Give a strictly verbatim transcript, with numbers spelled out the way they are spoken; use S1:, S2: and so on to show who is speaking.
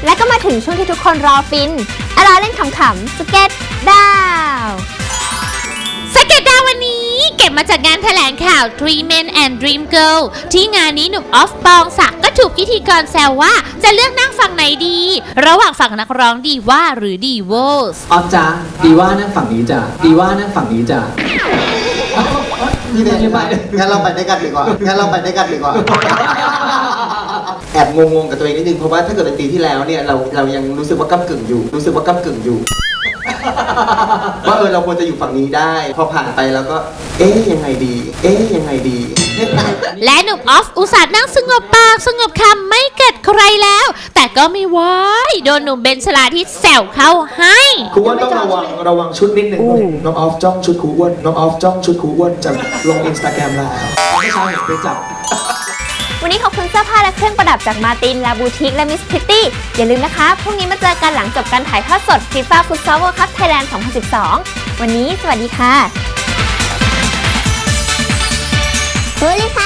S1: และก็มาถึงช่วงที่ทุกคนรอฟินอลาเล่นขำๆสเก็ตดาว
S2: สเก็ตดาววันนี้เก็บมาจากงานแถลงข่าว Three Men and Dream Girl ที่งานนี้หนุ่มออฟปองศักดิ์ก็ถูกพิธีกรแซวว่าจะเลือกนั่งฝั่งไหนดี ระหว่างฝั่งนักร้องดีว่าหรือดีโวส
S3: ออฟจ้าดีว่านั่งฝั่งนี้จ้ะดีว่านั่งฝั่งนี้จ้ะ
S4: นี่เดี๋ยวงั้นเราไปได้กันดีกว่างั้นเราไปได้กันดีกว่าแอบงงๆกับตัวเองนิดนึงเพราะว่าถ้าเกิดเป็นปีที่แล้วเนี่ยเราเรายังรู้สึกว่าก้ำกึ่งอยู่รู้สึกว่าก้ำกึ่งอยู่ว่าเออเราควรจะอยู่ฝั่งนี้ได้พอผ่านไปแล้วก็เอ๊ยยังไงดีเอ๊ยยังไงดี
S2: และหนุ่มออฟอุตส่าห์นั่งสงบปากสงบคำไม่เกิดใครแล้วแต่ก็ไม่ไหวโดนหนุ่มเบนชลาทิศแซวเข้าให้
S4: ครูอ้วนต้องระวังระวังชุดนิดนึงน้องออฟจ้องชุดครูอ้วนน้องออฟจ้องชุดครูอ้วนจะลงอินสตาแกรมแล้วไม่ใช่ไปจับ
S1: วันนี้ขอบคุณเสื้อผ้าและเครื่องประดับจากมาตินลาบูติกและมิสพิตตี้อย่าลืมนะคะพรุ่งนี้มาเจอกันหลังจบการถ่ายทอดสด FIFA Futsal World Cup Thailand สองพันสิบสองวันนี้สวัสดีค่ะสวัสดีค่ะ